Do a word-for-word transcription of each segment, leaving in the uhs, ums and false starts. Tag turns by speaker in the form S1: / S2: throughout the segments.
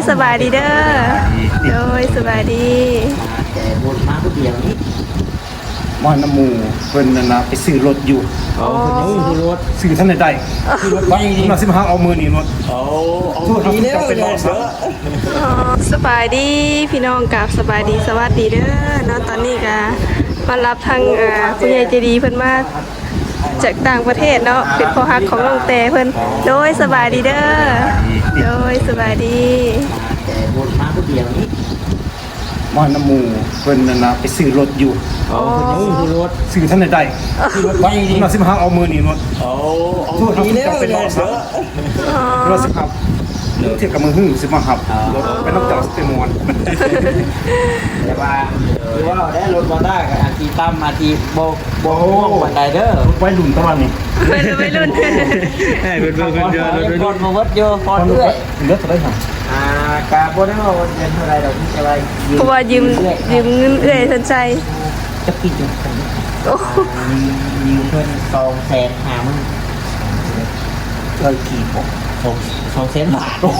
S1: สบายดีเด้อโดยสบายดี
S2: แต่บนมาผู้เดียวนี้
S3: มอน้ำมูเพิ่นนั่นนะไปซื้อรถอยู่
S2: อ๋อซื้อรถ
S3: ซื้อท่านใดซื้อรถไปนี่มาสิมาหาเอามือนี่รถ
S2: โอ้เอาดีแล้วเป็นรถเด้อ
S1: สบายดีพี่น้องกับสบายดีสวัสดีเด้อเนาะตอนนี้ก็มารับทางอ่าผู้ใหญ่ใจดีเพิ่นมาจากต่างประเทศเนาะเป็นพ่อฮักของน้องแต่เพิ่นโดยสบายดีเด้อโดยสบายดี
S2: แต่บนมาผู้เดียวนี้
S3: มอน้ำมูเพิ่นนั่นนะไปซื้อรถอยู่
S2: อ๋อซื้อรถ
S3: ซื้อท่านใดซื้อรถไปนี่มาสิมาหาเอามือนี่รถ
S2: โอ้เอาดีแล้วเป็นรถเด้อ
S3: รถสิครับเทียบกับมือหึ่งสิมาหับรถไปนอกจากสเตมอน
S2: แต่ว่าคือว่าได้รถมาได้กับอาทีตั้มอาทีโบโบบันไดเด้อ
S3: ไว้หลุมตะวันนี่
S1: ไม่รุ่นไม่รุ่น
S2: ให้เป็นเพื่อนกันเยอะเลยคนมาวัดเยอะพอเรื่อย
S3: เลือดจะได้หรอ
S2: อ่ากาโบได้ว่าวันเดือนเท่าไรเราที่จะไป
S1: เพราะว่ายืมยืมเงินเอื้อยสนใจ
S2: จะกินอยู่กันยืมเพื่อนสองแสนหามึงเคยกี่ปกสองสองแสนบาทโอ้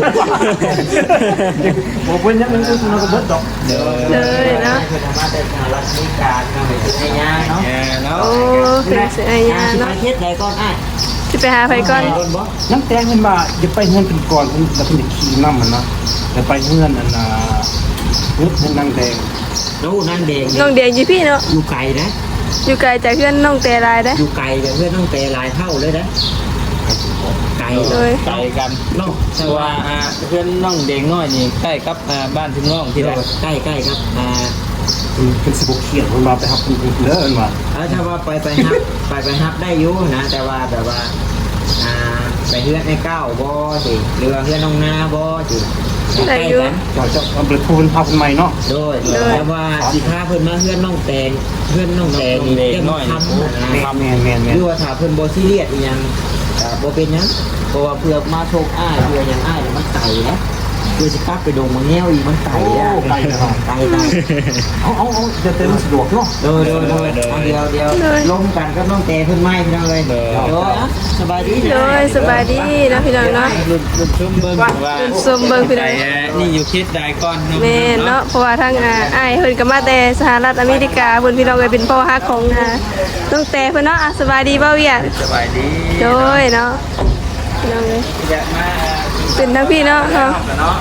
S3: โหเป็นยังไงก็คุณก็เบิดดอก
S1: เลยนะ
S2: คือธรรมะแต่สหรัฐอเมริกาเราไปซื้อไอ้ยาเนาะ
S1: โอ้เป็นซื้อไอ้ยาเนาะ
S2: ประเทศใดก่อนอ่ะ
S1: จะไปหาไผก่อน
S3: น้ำแตงเงินบาอย่าไปเงินเป็นก่อนคุณแล้วคุณจะขี่น้ำมันนะอย่าไปเงินนั่นนะเงินเงินนางแดง
S2: น้องนางแดง
S1: น้องแดงอยู่พี่เนาะ
S2: อยู่ไกลนะ
S1: อยู่ไกลจากเพื่อนน้องแต่ลายได้
S2: อยู่ไกลจากเพื่อนน้องแต่ลายเท่าเลยนะไกล
S1: เลย
S4: ไกลกันน้องแต่ว่าเพื่อนน้องเด็กน้อยนี่ใกล้กับบ้านถึงน้องที่ไหน
S2: ใกล้ใกล้ครับอ่า
S3: เป็นสิบกเขียนมันมาไปครับคุณเลิศมา
S2: ถ้าว่าไปไปฮับไปไปฮับได้ยุ่นะแต่ว่าแบบว่าอ่าไปเพื่อนในเก้าบ่สิหรือว่าเพื่อนน้องนาบ่สิ
S1: ได้ยุ่
S3: จะจะเอาไปพูนพาคนใหม่เนาะ
S2: โดยแต่ว่าสิพาเพื่อนมาเพื่อนน้องแตงเพื่อนน้องแตงนี่เรื่องทำ
S3: แมนแมนแมน
S2: หรือว่าถ้าเพื่อนบ่ซีเรียสอีหยังบ่เป็นยังเพราะว่าเพื่อมาโชคอ้ายเพื่อยังอ้ายมันไก่นะเพื่อจะกลับไปดงมันแง่วอีกมันไก่อะ
S3: ไก่
S2: ไก่ไก่
S3: เอาเอาเอาจะเต็มสะดวกเนาะ
S2: เดี๋ยวเดี๋ยวเดี๋ยวเดี๋ยวลงกันก็ต้องเตะเพื่อนไม้พี่น้องเลยเดี๋ยวสบายดี
S1: เลยสบายดีนะพี่น้องเนาะ
S4: รุ่นรุ่นชุ่มเบิ้งว่า
S1: ซุ่มเบิ้งพี่น้อง
S4: นี่อยู่คิดได้ก่อน
S1: แม่เนาะเพราะว่าทั้งอ้ายเพิ่นก็มาแต่สหรัฐอเมริกาเพิ่นพี่น้องเลยเป็นพ่อฮักของน้องแต่เพิ่นเนาะสบายดีบ่เวียด
S4: สบายดี
S1: โดยเนาะพี่น้องเลย
S4: อยากมา
S1: เป็นทั้งพี่เนาะเนาะ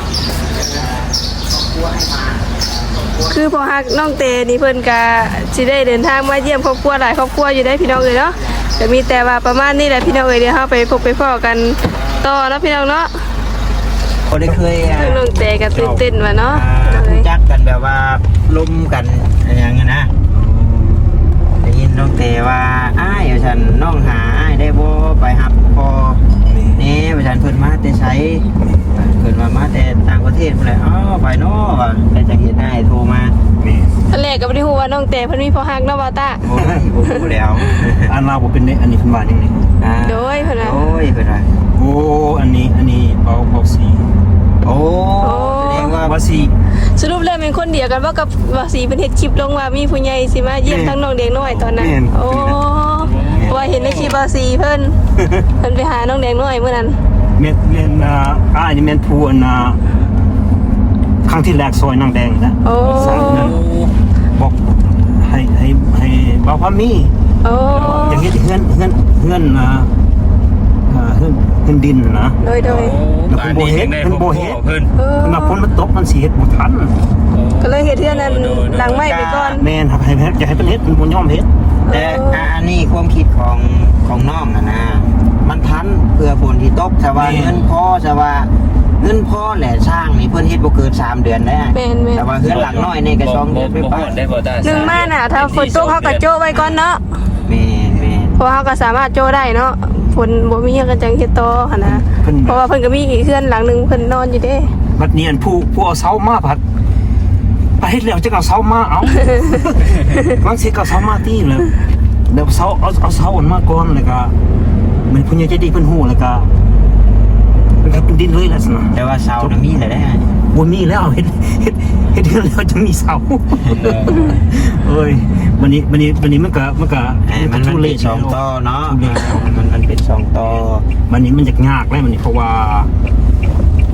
S1: คือพอฮักน้องเตนี่เพิ่นก็สิได้เดินทางมาเยี่ยมครอบครัวหลายครอบครัวอยู่ได้พี่น้องเลยเนาะแต่มีแต่ว่าประมาณนี้แหละพี่น้องเอ้ยเดี๋ยวเฮาไปพบไปพ้อกันต่อเนาะพี่น้องเนาะ
S2: ก็ได้เคย
S1: น้องเตก็ตื่นเต้นว่าเนาะ
S2: รู้จักกันแบบว่าล้มกันอย่างเงี้ยนะได้ยินน้องเตว่าอ้ายฉันน้องหาอ้ายได้บ่ไปหับพอนี่ประชาชนเพิ่นมาแต่ใช้เพิ่นมามาแต่ต่างประเทศเพิ่นเลยอ๋อไปเนาะว่าแต่จะเห็นได้โทรมา
S1: อันแรกก็บ่ได้ฮู้ว่าน้องเตเพิ่นมีพ่อฮักเนาะบ่าวตา
S2: โอ้ยบ่ฮู้แล้ว
S3: อันเราบ่เป็นอันนี้เพิ่นว่าอย่างนี้
S1: โดยเพิ่นว่า
S2: โอ้ยเพิ่นว่า
S3: โอ้อันนี้อันนี้เบาเบาสี
S2: โอ้แสดงว่า
S3: ว่าสี
S1: สรุปแล้วเป็นคนเดียวกันบ่กับว่าสีเพิ่นเฮ็ดคลิปลงว่ามีผู้ใหญ่สิมาเยี่ยมทั้งน้องเด็กน้อยตอนนั้นโอ้ว่าเห็นในคลิปว่าสีเพิ่นเพิ่นไปหาน้องเด็กน้อยมื้อนั้น
S3: เม็ดเม็ดอ่าอ้ายนี่แม่นผู้อันน่ะครั้งที่แรกซอยนางแดงนะ
S1: โอ้
S3: บอกให้ให้ให้บ่าวพามี
S1: โอ้
S3: อย่างเฮ็ดเฮือนเฮือนเฮือนอ่าอ่าเฮือนเฮือนดินนะ
S1: โดยโดย
S3: แล้วเพิ่นบ่เฮ็ดเพิ่นบ่เฮ็ดเพิ่นมาฝนมันตกมันสิเฮ็ดบ่ทัน
S1: ก็เลยเฮ็ดเฮือนนั้นหลังไม้ไปก่อน
S3: แม่นครับให้อยากให้เพิ่นเฮ็ดเพิ่นบ่ยอมเฮ็ด
S2: แต่อันนี้ความคิดของของน้องน่ะนะมันทันเพื่อฝนที่ตกแต่ว่าเงินพอแต่ว่าเงินพ่อแหละช่างนี่เพิ่นเฮ็ดบ่เกินสามเดือนได้แต่ว่าเฮือนหลังน้อยนี่ก็สองเดือนไปป่ะ
S1: หนึ่งมาน่ะถ้าฝนตกเฮาก็โจ้ไว้ก่อนเนาะ
S2: แม่ๆ
S1: เพราะเฮาก็สามารถโจ้ได้เนาะฝนบ่มีก็จังเฮ็ดต่อหั่นนะเพราะว่าเพิ่นก็มีอีกเฮือนหลังนึงเพิ่นนอนอยู่เด้
S3: บัดนี้อันผู้ผู้เอาเสามาพัดไปเฮ็ดแล้วจะเอาเสามาเอาบางสิก็เสามาตีแล้วเดี๋ยวเสาเอาเอาเสาอันมาก่อนแล้วก็มันผู้ใหญ่ใจดีเพิ่นฮู้แล้วก็มันก็เป็นดินเลยล่ะซั่น
S2: แต่ว่าเสาน่ะมีแล้วได้
S3: บ่มีแล้วเฮ็ดเฮ็ดเฮ็ดแล้วจะมีเสาเอ้ยวันนี้วันนี้วันนี้มันก็มันก็
S2: มันมันเป็นสองต่อเนาะมันมันเป็นสองต่อ
S3: วันนี้มันจะยากแล้วมันนี่เพราะว่า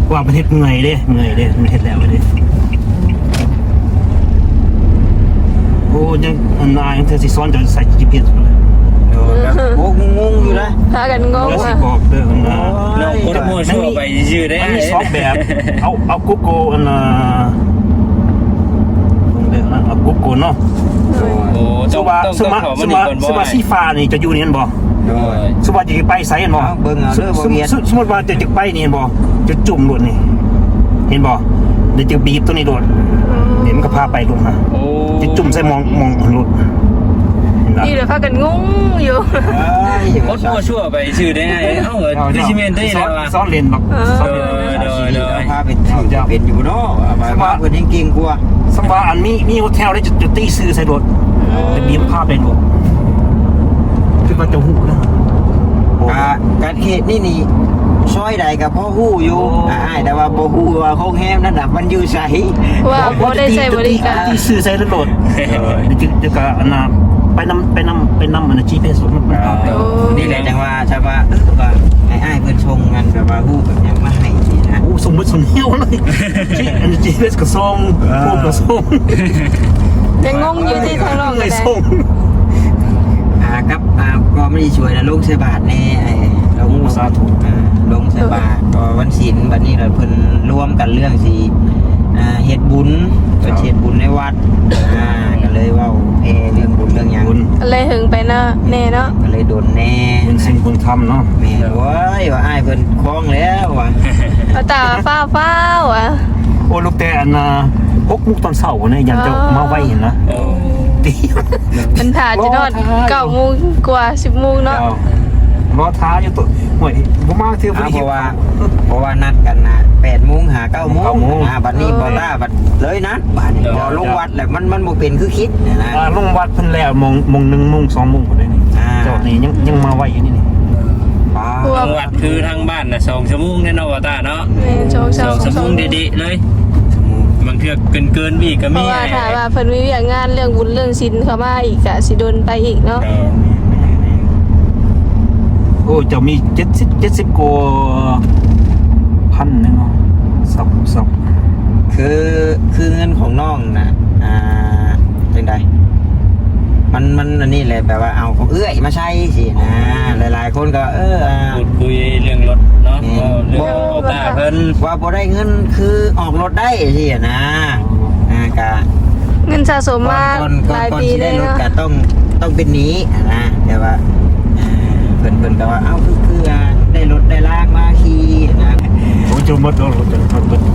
S3: ว่าประเทศเมื่อยเด้เมื่อยเด้มันเฮ็ดแล้วเด้โอ้ยังอันนายเธอสิซ้อนจะใส่ จี พี เอส เลย
S2: โดยแบบโอ้งงๆอยู่นะ
S1: พากันงง
S3: แล้วสิ
S1: อ่ะ
S3: บอกเด้ออันน่ะ
S4: เราคนมั่วชั่วไปชื่อได้
S3: มันมีสองแบบ เอาเอากุ๊กโกอันน่ะเด้อเอากุ๊กโกเนาะ
S4: โอ้
S3: ส
S4: ต้อง
S3: ว่า
S4: ต้อง
S3: ส
S4: ต้อง
S3: ว่า
S4: ขอ
S3: ส
S4: มันอี
S3: ว่าก
S4: คนบ่
S3: สว่าสีฟ้านี่จะอยู่นี่เห็นบ่
S2: โดย
S3: สมมุติจะไปไสเห็นบ่
S2: เอาเบิ่งเอาเด้อบ่
S3: สม
S2: เวียน
S3: สมสมมุติว่าจะจะไปนี่เห็นบ่จะจุ่มโดดนี่ เห็นบ่เดี๋ยวจะบีบตัวนี้โดดเดี๋ยวมันก็พาไปลงนะ
S4: โอ้
S3: จะจุ่มใส่มองมองรถเห็นบ่
S1: นี่เดี๋ยวพากันงงอยู่
S2: เอ้ย
S4: คนมั่วชั่วไปชื่อได้ไงเอ้าเออดิซิเมนต์ได้
S3: ซ้
S4: แล้
S3: อน
S4: วว่ะ
S3: ซ้อนเลนหรอก
S1: เออ
S3: ซ้อนเลน
S4: โดยโดย
S2: พาเป็นเป็นอยู่เนาะเอาไปว่าเพิ่นยังเก่งกว่า
S3: สมว่าอันมีมีโฮเทลได้จะจะตีซื้อใส่รถจะบีบพาไปรถคือว่าจะหูนะ
S2: กะการเขตนี่นี่ซอยใดกับพ่อฮู้อยู่อ่าแต่ว่าบ่ฮู้ว่าโรงแรมนั้นน่ะมันอยู่ไส
S1: ว่าบ่ได้ใช้บริการ
S3: ตีซื้อใส่รถเดี๋ยวจะจะก็อันน่ะไปนำไปนำไปนำอันน่ะ จี พี เอส มันพาไป
S2: นี่แหละจังว่าใช่ว่าเออว่าให้อ้ายเพิ่นชงกันแบบว่าฮู้แบบยังมาให้นี่นะ
S3: โอ้สมมุติสมเหี้ยวเลยที่อันนี้ จี พี เอส ก็ส่งพวกก็ส่ง
S1: ยังงงอยู่ที่ทางนอก
S3: เล
S1: กัน
S3: ย
S1: ได้
S3: ส่ง
S2: อ่ากับอ่าก็ไม่ได้ช่วยนะลงใส่บาทแน่ไอ้ลงสาธุอ่าลงใส่บาทก็วันศีลบัดนี้เราเพิ่นร่วมกันเรื่องสิอ่าเฮ็ดบุญเพิ่นเฮ็ดบุญในวัดอ่าก็เลยเว้าแพ่เรื่องบุญเรื่องหยัง
S3: บุญ
S1: เลยหึงไปเนาะแน่เนาะ
S2: ก็เลยโดนแน่
S3: บุญสิ่งบุญธรรมเนาะ
S2: แม่โว้ยว่าอ้ายเพิ่นคล้องแล้วว่ะ
S1: เอาตาฟ้าฟ้าวอ่ะ
S3: โอ้ลูกแต่อันน่ะหกโมุกตอนเช้าเนี่ยยันจะมาไว้เห็นนะ
S4: โอ้
S3: ตี
S1: มันถ่าจะนอนเก้าโมงกว่าสิบโมงเนาะ
S3: รอท้าอยู่ตัวห่วยบ่มาเที่ยว
S2: อ่า
S3: บ่
S2: เพ
S3: ได้
S2: ราะว่าเพราะว่านัดกันนะแปดโมงหาเก้าโมง
S3: เก้าโมง
S2: อ่าบัดนี้บ่ต้าบัดเลยนะบัดนี้พอลงวัดแล้วมันมันบ่เป็นคือคิดเนี่ยนะ
S3: อ่าลงวัดเพิ่นแล้วมงมงหนึ่งมงสองมงบ่ได้นี่
S2: อ่า
S3: เจ้านี่ยังยังมาไว้อยู่นี่นี่
S2: ป้า
S4: จังหวัดคือทางบ้านน่ะสองชั่วโมงแน่นอนว่าตาเนาะ
S1: แม่นโชค
S4: ส
S1: เช้า
S4: องชั่วโมงดีๆเลยบางเทื่อเกินเกินๆวีก็
S1: เพ
S4: มี
S1: ราะว่าถ้าว่าเพิ่นมีเวียกงานเรื่องบุญเรื่องศีลเข้ามาอีกก็สิโดนไปอีกเนาะ
S4: เออ
S3: โอ้เจ้ามีเจ็ดสิบ เจ็ดสิบกว่าพันแน่เนาะสับสับ
S2: คือคือเงินของน้องนะอ่าจังใดมันมันอันนี้แหละแบบว่าเอาของเอื้อยมาใช้สินะหลายๆคนก็เอออ่า
S4: พูดคุยเรื่องรถเนาะก็เรื่องโอตาเพิ่น
S2: ว่าบ่ได้เงินคือออกรถได้สินะอ่ากะ
S1: เงินสะสมมา
S2: ก่อนก่อน
S1: หลาย
S2: ก่อน
S1: ปี
S2: ที่
S1: เล
S2: ได้
S1: ย
S2: รถ
S1: เนาะ
S2: ก็ต้องต้องเป็นหนี้นะแต่ว่าอ่าเพิ่นเพิ่นก็ว่าเอ้าคือคืออ่าได้รถได้ลากมาขี่นะ
S3: โอ้เจ้าหมดแล้วเจ้าหมด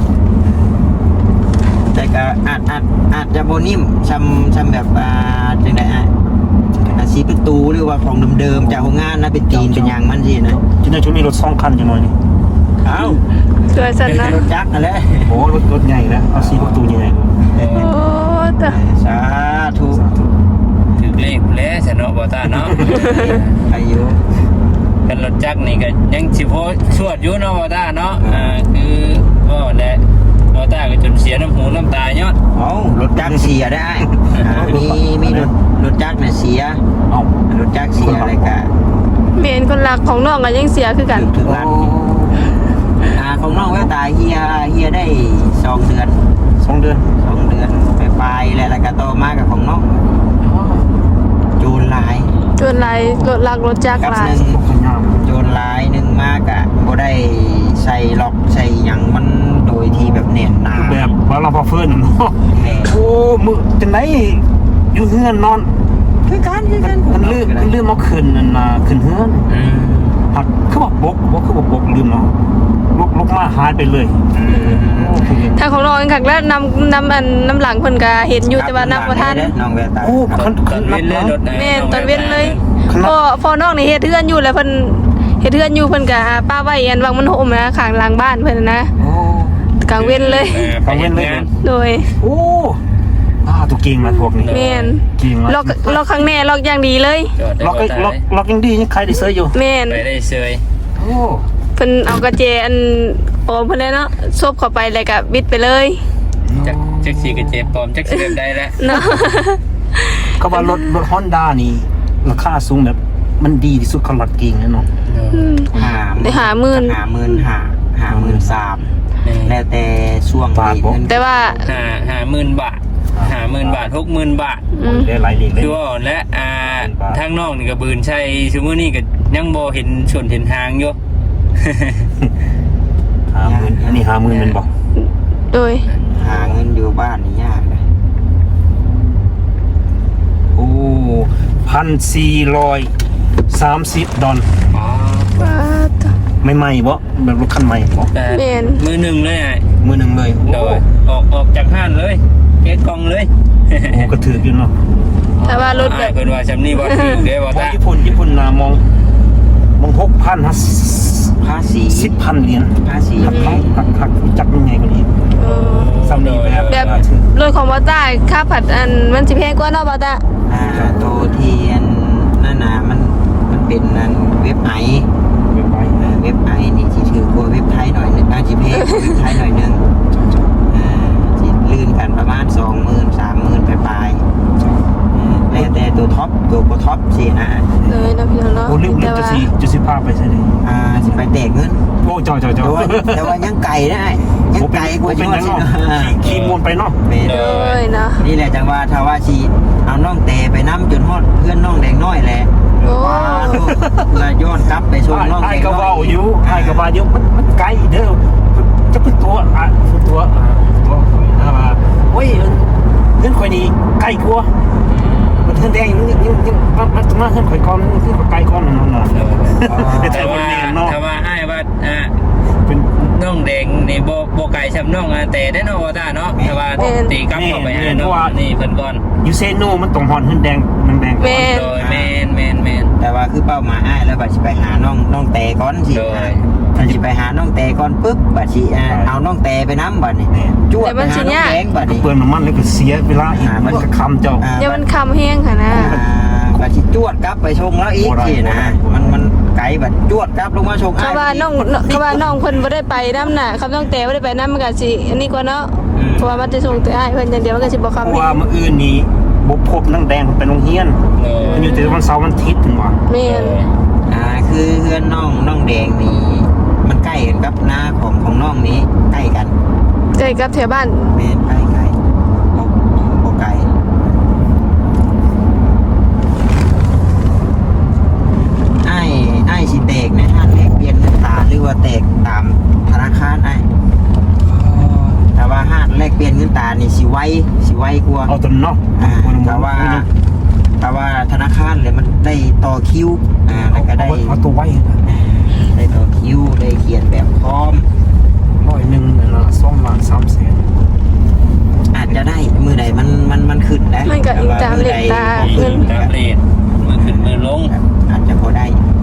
S2: แต่ก็อาจอาจอาจจะโบนิ่มชำชำแบบอ่าจังไดอ่ะอาชีพประตูหรือว่าของเดิมๆจากโรงงานนะเป็นตีนเป็นยางมันสินะ
S3: ที่นั่นช่วงมีรถสองคันจังหน่อยนี่
S2: เอ้า
S1: ตัวสั่นนะ
S2: รถจักรนั่นแหละ
S3: โอ้รถรถใหญ่แล้วเอาสี่ประตูใหญ่
S1: โอ้ตะ
S2: สาธุ
S4: ถึกเลขแล้วซะเนาะบ่ตาเนาะ
S2: อายุ
S4: กันรถจักรนี่ก็ยังสิพอสวดอยู่เนาะบ่ตาเนาะอ่าคือบ่แหละบ่ตาก็จนเสียน้ำหูน้ำตาเนาะ
S2: เอ้ารถจักรเสียได้อ่ามีมีรถรถจักรเนี่ยเสีย
S3: เอ้าร
S2: ถจักรเสียอะไรกัน
S1: เมียนคนรักของน้องก็ยังเสียคือกัน
S2: ถึงร้านอ่าของน้องแววตาเฮียเฮียได้สองเดือน
S3: สองเดือน
S2: สองเดือนไปปลายๆแล้วแล้วก็โตมากับของน้องโจรหลาย
S1: จนหลายรถลักรถจักร
S2: กับ
S1: หลา
S2: ห
S1: ย
S2: นึ่ง
S3: พยายาม
S2: โจรหลายหนึ่งมากอะบ่ได้ใส่ล็อกใส่หยังมันโดยที่แบบแน่นหนา
S3: แบบว่าเราพอเฟิร์นเนาะ
S2: แน่
S3: โอ้มือจังไหนอยู่เฮือนนอน
S2: คือกันคือกัน
S3: มันลืมมันลืมเอาขึ้นนั่นน่ะขึ้นเฮือน
S4: อืม
S3: หักคือว่าปกบ่คือว่าปกลืมเนาะลุกลุกมาหายไปเลย
S2: อืม
S3: โอ้คือ
S1: ถ้าของน้องเองคักแล้วนำนำอันน้ำหลังเพิ่นก็เห็นอยู่แต่ว่านำบ่ทัน
S2: น้องแววตา
S3: โอ้คัน
S4: ต
S3: คั
S4: อน น
S3: นั
S4: เว้
S3: บ
S4: นเลย
S3: เนาะ
S4: รถไหน
S1: แม่นตอนเว้นเลย
S3: ขนาด
S1: พอพอน้องนี่เฮ็ดเฮือนอยู่แล้วเพิ่นเฮ็ดเฮือนอยู่เพิ่นก็ป้าไว้อันวังมันโหมนะข้างหลังบ้านเพิ่นน่ะนะ
S3: โอ้
S1: กลางเว้นเลย
S4: ออไปเฮ็ดงาน
S1: โดย
S3: โอ้อ่าตัวเก่งนะพวกนี้
S1: แม่น
S3: เก่งนะ
S1: ล็อกล็อกข้างแน่ล็อกอย่างดีเลย
S4: จอดได้
S3: ล็อก
S4: บ่
S3: ไอ้
S4: ตา
S3: ล็อกล็อกยังดียังใครได้เซยอยู่
S1: แม่น
S4: ไปได้เซย
S3: โอ้
S1: เพิ่นเอากระเจอันปลอมเพิ่นเลยเนาะซบเข้าไปแล้วก็บิดไปเลย
S4: จักจักสีกระเจ็บปลอมจักสีแบบใดแล้ว
S1: เนาะ
S3: ก็ว่ารถรถฮอนด้านี่ราคาสูงแบบมันดีที่สุดของรถเก่งนะเนาะ
S1: อืม
S2: หา
S1: ได้หาหมื่น
S2: หาหมื่นหาหาหมื่นสามแล้วแต่ช่วงนี้เงิน
S1: แต่ว่า
S4: หาหาหมื่นบาทหาหมื่นบาทหกหมื่นบาท
S1: อืม
S3: ได้หลายลีกเลย
S4: คือว่าและอ่าทางนอกนี่ก็บืนใช่ชั่วโมงนี้ก็ยังบ่เห็นชนเห็นทางอยู่
S3: ห้าหมื่นอันนี้ห้าหมื่นเป็นบอก
S1: โดย
S2: หาเงินอยู่บ้านนี่ยากนะ
S3: โอ้พันสี่ร้อยสามสิบดอล
S4: อ๋อ
S1: ว้าตะ
S3: ไม่ใหม่บ่แบบรถคันใหม่บ่
S4: แต่
S1: แม่น
S4: มือหนึ่งเลยไอ้
S3: มือหนึ่งเลย
S4: โดยออกออกจากห้านเลยเก็ตกล่องเลย
S3: โอ้กระถืออยู่เนาะ
S1: แต่ว่ารถแบบ
S4: อ้ายเพิ่นว่าซำนี้บ่ถึงเด้บ่
S3: เพราะ
S4: ตา
S3: ญี่ปุ่นญี่ปุ่นนะมองมองหกพันฮะ
S2: ภาษี
S3: สิบพันเหรียญ
S2: ภาษี
S3: หักเขาหักหักจักยังไงกันอีก
S1: เออ
S3: ซ้ำนี่แบบ
S1: แบบรถของบอต้าค่าผัดอันมันสิแพงกว่าเนาะบอต้า
S2: อ่าโตเทียนนั่นนะมันมันเป็นนั่นเว็บไอ
S3: ไม่ไป
S2: เอ่อเว็บไอนี่สิถือกว่าเว็บไทยหน่อยหนึงอาจีเพกว่าเว็บไทยหน่อยหนึงอ่าสิลื่นกันประมาณสองหมื่นสามหมื่นปลายๆอ่าแล้วแต่ตัวท็อปตัวโปรท็อปสินะ
S1: เลยนะพี่น้องเนาะ
S3: โอ้เรื่องเรื่
S1: แต่
S3: องจะ
S1: ว่า
S3: สีจะสิพาไปใช่ไหม
S2: อ่าสิไปแตกเงิน
S3: โอ้จอจอจอ
S2: แต่ว่าแต่ว่ายังไก่นะยังไก่กว่า
S3: เป็น
S2: ยอด
S3: ยัง
S2: สิ
S3: เนาะ
S2: เนาะ
S3: ขี่มวนไปเนาะ
S2: แม่น
S1: เลยเนาะ
S2: นี่แหละจังว่าถ้าว่าชีเอาน้องเตไปน้ำจนฮอดเพื่อนน้องแดงน้อยแหละ
S1: โอ้
S2: ว้าลูกแล้วย้อนกลับไปชมน้องแด
S3: ไอ้
S2: ง
S3: ก็
S2: น้อ
S3: ว่าย อยู่ไอ้ก็ว่าอยู่มันมันไกลเด้อจะเป็นตัวอ่ะเป็นตัวอ่ะตัวข่อยนะว่าโอ้ยเงินข่อยนี่ไกลกว่ามันเงินแดงยังยังยังมันมันมาเงินข่อยก่อนเงินข่อยไกลก่อนนั่นน่ะ แต่
S4: แต่
S3: ว่า
S4: ว่า
S3: แม่นเนาะ
S4: ถ้าว่าอ้ายว่าอ่า
S3: เป็น
S4: น้องแดงนี่บ่บ่ไกลซำน้องอ่ะแต่ได้เนาะบ่ตาเนาะแต่ว่าตีกลับเข้าไปหาเนาะนี่เพิ่นก่อน
S3: ยูเซโนมันต้องหอนเงินแดงมันแดงก่อน
S1: แม่น
S4: โดยแม่นแม่นแม่น
S2: แต่ว่าคือเป้าหมายอ้ายแล้วบัดสิไปหาน้องน้องเตก่อนสิ
S4: โดย
S2: ถ้าสิไปหาน้องเตก่อนปุ๊บบัดสิอ่าเอาน้องเตไปน้ำบัดนี่จวดไปหาน้องแดงบัดนี่
S3: เปลืองน้ำมันแล้วก็เสียเวลาอีกมันก็คำเจ้า
S2: อ่า
S1: เดี๋ยวมันคำแห้งค่ะนะ
S2: อ่าบัดสิจวดกลับไปชงแล้วอีกสินะมันมันไกลบัดจวดกลับลงมาชงอ้า
S1: เขา
S2: ย
S1: ว่าน้องเขาว่าน้องเพิ่นบ่ได้ไปน้ำน่ะเขาต้องแต่บ่ได้ไปน้ำมันก็สิอันนี้กว่าเนาะเพราะว่ามันจะส่งแต่อ้ายเพิ่นอย่างเดียวมันก็สิบ่
S3: เพ
S1: คำ
S3: ราะ
S1: แห้
S3: ว่าง เมื่ออื่นนี้บุพบนั่งแดงเป็นโรงเรียน
S4: โดย
S3: มันอยู่แต่วันเสาร์วันอาทิตย์ถึงว่า
S1: แม่น
S2: อ่าคือเพื่อนน้องน้องแดงนี่มันใกล้กันกับหน้าของของน้องนี้ใกล้กัน
S1: ใกล้กับแถวบ้าน
S2: เมนใกล้ใกล้บ่บ่ไกลไอ้ไอ้ายสิแตกในห้างแลกเปลี่ยนเงินตาหรือว่าแตกตามธนาคารไอ้ายแต่ว่าห้างแลกเปลี่ยนเงินตานี่สิไวสิไวกว่า
S3: เอาตัวเนาะ
S2: อ่าแต่ว่าแต่ว่าธนาคารเลยมันได้ต่อคิวอ่าแล้วก็ได้
S3: เอาตัวไว้
S2: อ่าได้ต่อคิวได้เขียนแบบพร้อม
S3: ร้อยหนึ่งนะสองล้านสามแสน
S2: อาจจะได้มือใดมันมันมันขึ้นนะ
S1: มันก็อิงตามเลขตา
S2: แต่ว่ามือใด
S4: ตามเลทมือขึ้นมือลง
S2: อาจจะพอได้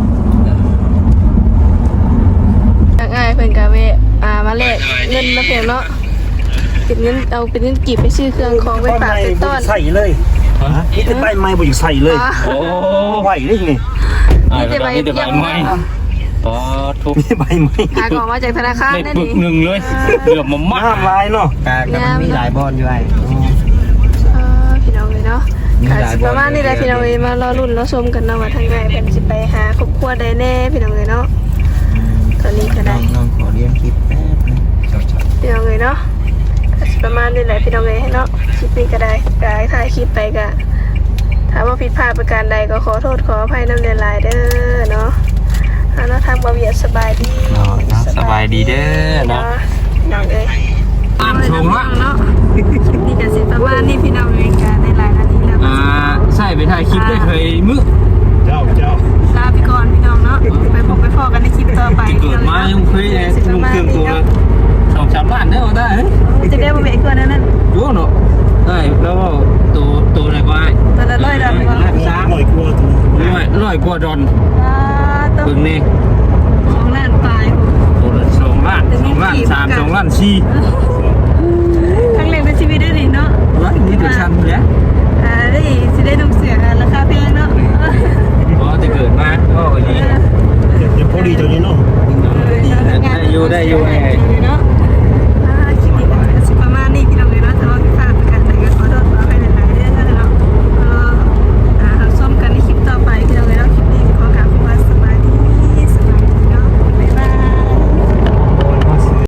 S1: ทางอ้ายเพิ่นก็เวะอ่ามาแลกเงินมาเพียงเนาะเป็นเงินเอาเป็นเงินกีบไปซื้อเครื่องของไปฝากไปต้อน
S3: ใส่เลยนี่จะใบไม้บ่อยู่ใส่เลย
S1: อ๋อ
S4: โอ้
S3: ไหวได้ไง
S4: อ่าแต่ใบแต่ใบไม้อ๋อทุบ
S3: นี่ใบไม้
S1: หาของมาจากธนาคาร
S4: ได้
S1: นั่น
S4: ปึก
S1: นี่
S4: หนึ่งเลยเกือบมามัด
S3: ห้ามลายเนาะ
S2: กาก็มันมีหลายบอลอยู่ไอ้
S1: เออพี่น้องเลยเนาะค่ะสิประมาณนี้แหละพี่น้องเลยมารอรุ่นรอชมกันเนาะว่าทางใดเพิ่นสิไปหาครอบครัวได้แน่พี่น้องเลยเนาะตอนนี้ก็
S2: น้
S1: ได้
S2: องน้องขอเรียนคลิปแป๊บนึง
S1: พี่น้องเลยเนาะก็สิประมาณนี้แหละพี่น้องเลยเนาะคลิปนี้ก็ได้ก็ให้ถ่ายคลิปไปก็ถ้าว่าผิดพลาดประการใดก็ขอโทษขออภัยน้ำเดือดหลายเด้อเนาะเอาเนาะทางบ่เวียดสบายดี
S4: สบายดีเด้อเนาะ
S1: พี่น้องเอ้ย
S4: อ่านชมละ
S1: เนาะคลิปนี้ก็สิประมาณนี้พี่น้องเลยก็ได้หลายนาทีแล้ว
S4: อ่าใช่ไปถ่ายคลิปได้เคยมึก
S3: เจ้าเจ้า
S1: ลาไปก่อนพี่น้องเนาะไปพบไปพอกันในคลิปต่อไป
S4: เกิดมายังเคยเลยลุงเครื่องตัวสองสามล้านได้เอาได้เฮ้ย
S1: จะได้บ่เบียดกว่านั้นนั่น
S4: รู้เนาะได้แล้วว่าตัวตัวไหนก็ได้
S1: ตอนละร้อยดอลลาร์
S4: ล้านสาม
S3: หน่อยกลัวตัว
S4: ร้อยร้อยกว่าดอน
S1: อ่าต้อง
S4: เบิ่งนี่
S1: ของล้านปลาย
S4: ตัวละสองล้านสองล้านสามสองล้านสี่
S1: ครั้งแรกในชีวิตได้ดิเนาะ
S4: ร้อยนี่ตัวชันเลย
S1: อ่าได้สิได้นุ่งเสือกันราคาแพงเนาะ
S4: พอจะเกิดมาก็วันนี้
S3: เดี๋ยวพอดีเจ้านี้เนาะ
S4: ได้อยู่ได้อยู่ไอ้
S1: เนาะ